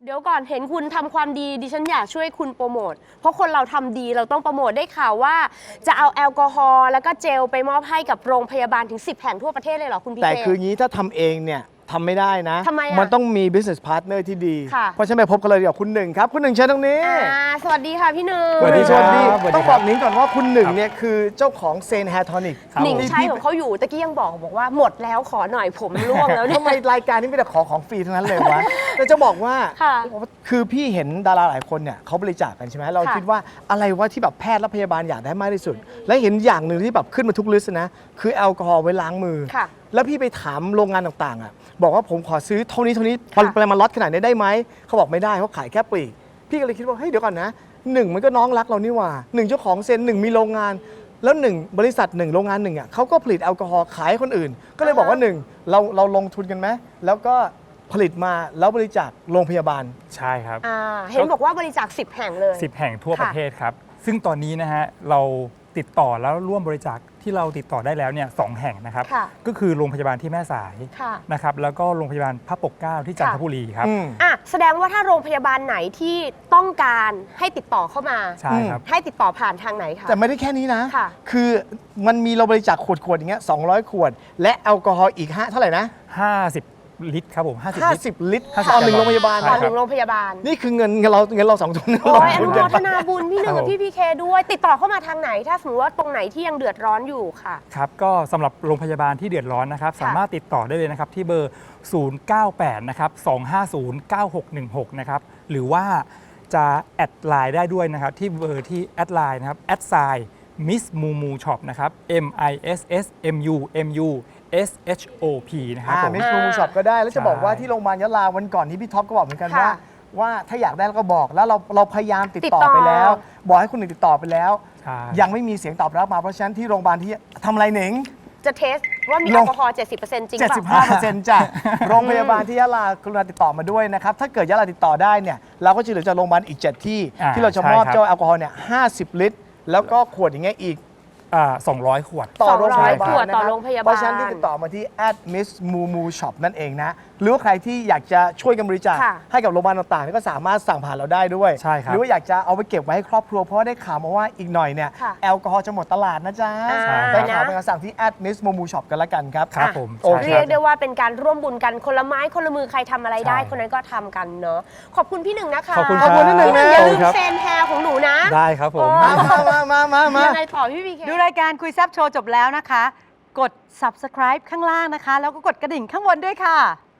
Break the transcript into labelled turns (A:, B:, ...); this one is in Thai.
A: เดี๋ยวก่อนเห็นคุณทำความดีดิฉันอยากช่วยคุณโปรโมทเพราะคนเราทำดีเราต้องโปรโมทได้ข่าวว่าจะเอาแอลกอฮอล์แล้วก็เจลไปมอบให้กับโรงพยาบาลถึง10 แห่งทั่วประเทศเลยเหรอคุณพีเค
B: แต่คืองี้ถ้าทำเองเนี่ยทำไม่ได้นะ
A: ทำไมอ่ะ
B: มันต้องมี business partner ที่ดี
A: ค่ะ
B: เพราะฉะนั้นไปพบกันเลยเดี๋ยวคุณหนึ่งครับคุณหนึ่งเชิญตรงนี้
A: สวัสดีค่ะพี่หนึ่ง
B: สวัสดี
C: ครับ
B: ต้องบอกนิ้งก่อนว่าคุณหนึ่งเนี่ยคือเจ้าของเซนแฮร์ทอนิก
A: หนิงใช้ของเขาอยู่ตะกี้ยังบอกว่าหมดแล้วขอหน่อยผมร่วงแล้วเนี่ย
B: ทำไมรายการนี้มีแต่ขอของฟรีทั้งนั้นเลยวะ แต่จะบอกว่า
A: ค่ะ
B: คือพี่เห็นดาราหลายคนเนี่ยเขาบริจาคกันใช่ไหมเรา
A: ค่ะ
B: คิดว่าอะไรวะที่แบบแพทย์และพยาบาลอยากได้มากที่สุด และเห็นอย่างหนึ่งที่แบบขึ้นมาทุกลิสต์นะคือแอลกอฮอล์ไว้ล้างมือ
A: ค่ะ
B: แล้วพี่ไปถามโรงงานต่างๆอ่ะบอกว่าผมขอซื้อเท่านี้
A: ค่ะ
B: ปริมาณล็อตขนาดนี้ได้ไหมเขาบอกไม่ได้เขาขายแค่ปลีกพี่ก็เลยคิดว่าเฮ้ยเดี๋ยวก่อนนะหนึ่งมันก็น้องรักเรานี่หว่าหนึ่งเจ้าของเซนหนึ่งมีโรงงาน แล้วหนึ่งบริษัทหนึ่งโรงงานหนึ่งอ่ะเขาก็ผลิตแอลกอฮอล์ขายให้คนอื่น ก็เลยบอกว่าหนึ่งเราลงทุนกันไหมแล้วก็ผลิตมาแล้วบริจาคโรงพยาบาล
C: ใช่ครับ
A: เห็นบอกว่าบริจาค10 แห่งเลย
C: 10 แห่งทั่ว
A: ค่ะ
C: ประเทศครับ ซึ่งตอนนี้นะฮะเราติดต่อแล้วร่วมบริจาคที่เราติดต่อได้แล้วเนี่ย2 แห่งนะครับ
A: ค่ะ
C: ก็คือโรงพยาบาลที่แม่สาย
A: ค่ะ
C: นะครับแล้วก็โรงพยาบาลพระปกเกล้าที่จันทบุรีครับ
A: แสดงว่าถ้าโรงพยาบาลไหนที่ต้องการให้ติดต่อเข้ามา
C: ใช่ครับ
A: ให้ติดต่อผ่านทางไหนคะ
B: แต่ไม่ได้แค่นี้นะ
A: ค่ะ
B: คือมันมีเราบริจาคขวดอย่างเงี้ย200 ขวด และแอลกอฮอล์อีก5เท่าไหร่นะ
C: 50 ลิตรครับผม50 ลิตร
B: 50 ลิตร
C: 50
B: ต่อหนึ่งโรงพยาบาล
C: ใช่
A: ต่อ
C: ค
A: ห
C: รับ
A: นึ่งโรงพยาบาล
B: นี่คือเงินเราสองคน
A: โอ้ยอ
B: ล
A: นุ
B: ง
A: โม
B: ทุน
A: ท
B: กัน
A: นาบุญพี่หนึ่งกับพี่พีเคด้วย ติดต่อเข้ามาทางไหน ถ้าสมมติว่าตรงไหนที่ยังเดือดร้อนอยู่ค่ะ
C: ครับก็สำหรับโรงพยาบาลที่เดือดร้อนนะครับ สามารถติดต่อได้เลยนะครับ ที่เบอร์ 098 นะครับ 250 9616 นะครับ หรือว่าจะแอดไลน์ได้ด้วยนะครับ ที่เบอร์ที่แอดไลน์นะครับแอดไซน์ Miss Mumu Shop นะครับ MISSMUMUSHOP นะครับผม
B: มิสมูช็อปก็ได้ แล้วจะบอกว่าที่โรงพยาบาลยะลาวันก่อนที่พี่ท็อปก็บอกเหมือนกัน
A: ค่ะ
B: ว่าถ้าอยากได้เราก็บอกแล้วเราพยายามติดต่อ
A: ติดต่อ
B: ไปแล้ว บอกให้คุณหนึ่งติดต่อไปแล้ว
C: ใช่
B: ยังไม่มีเสียงตอบรับมาเพราะฉะนั้นที่โรงพยาบาลที่ทำอะไรหนิง
A: จะเทสว่ามีแอลกอฮอล์ 70% จริงเปล่า
B: 75% จ้ะ โรงพยาบาลที่ยะลากรุณาติดต่อมาด้วยนะครับ ถ้าเกิดยะลาติดต่อได้เนี่ยเราก็จะเหลือจากโรงพยาบาลอีก 7 ที่ ที่เราจะมอบ
C: ใช่ครับ
B: เจ้าแอลกอฮอล์เนี่ย50 ลิตร แล้วก็ขวดอย่างเงี้ยอีก
C: 200 ขวด
B: ต่อโรงพยาบาล
A: ขวด
B: นะ
A: ต่
B: ค
A: อ
B: รับ
A: โรงพยาบาล
B: เพราะฉะนั้นที่ติดต่อมาที่ @missmumu_shop นั่นเองนะ หรือว่าใครที่อยากจะช่วยกันบริจาค
A: ค่ะ
B: ให้กับโรงพยาบาลต่างๆก็สามารถสั่งผ่านเราได้ด้วย
C: ใช่ครับ
B: หรือว่าอยากจะเอาไปเก็บไว้ให้ครอบครัวเพราะว่าได้ข่าวมาว่าอีกหน่อยเนี่ย
A: ค่ะ
B: แอลกอฮอล์จะหมดตลาดนะจ๊ะ
A: ใช่
B: ได้ข่าวเป็นการสั่งที่ @missmumu_shop กันละกันครับ
C: ครับผม
B: โอเค
C: ใช่
A: เรียกได้ว่าเป็นการร่วมบุญกันคนละไม้คนละมือใครทำอะไรได้
C: ใช่
A: คนนั้นก็ทำกันเนาะขอบคุณพี่หนึ่งนะคะ
C: ขอบคุณ
B: ขอบคุณพี่หนึ่ง
A: พี่หนึ่ง
B: นะ
A: อย่าลืม
C: ครับ
A: เซนแฮร์ของหนูนะ
C: ได้ครับผม
B: มา
A: ยังไงต่อพี่พีเค
D: ดูรายการคุยแซบโชว์จบแล้วนะคะ กด subscribe ข้างล่างนะคะ แล้วก็กดกระดิ่งข้างบนด้วยค่ะ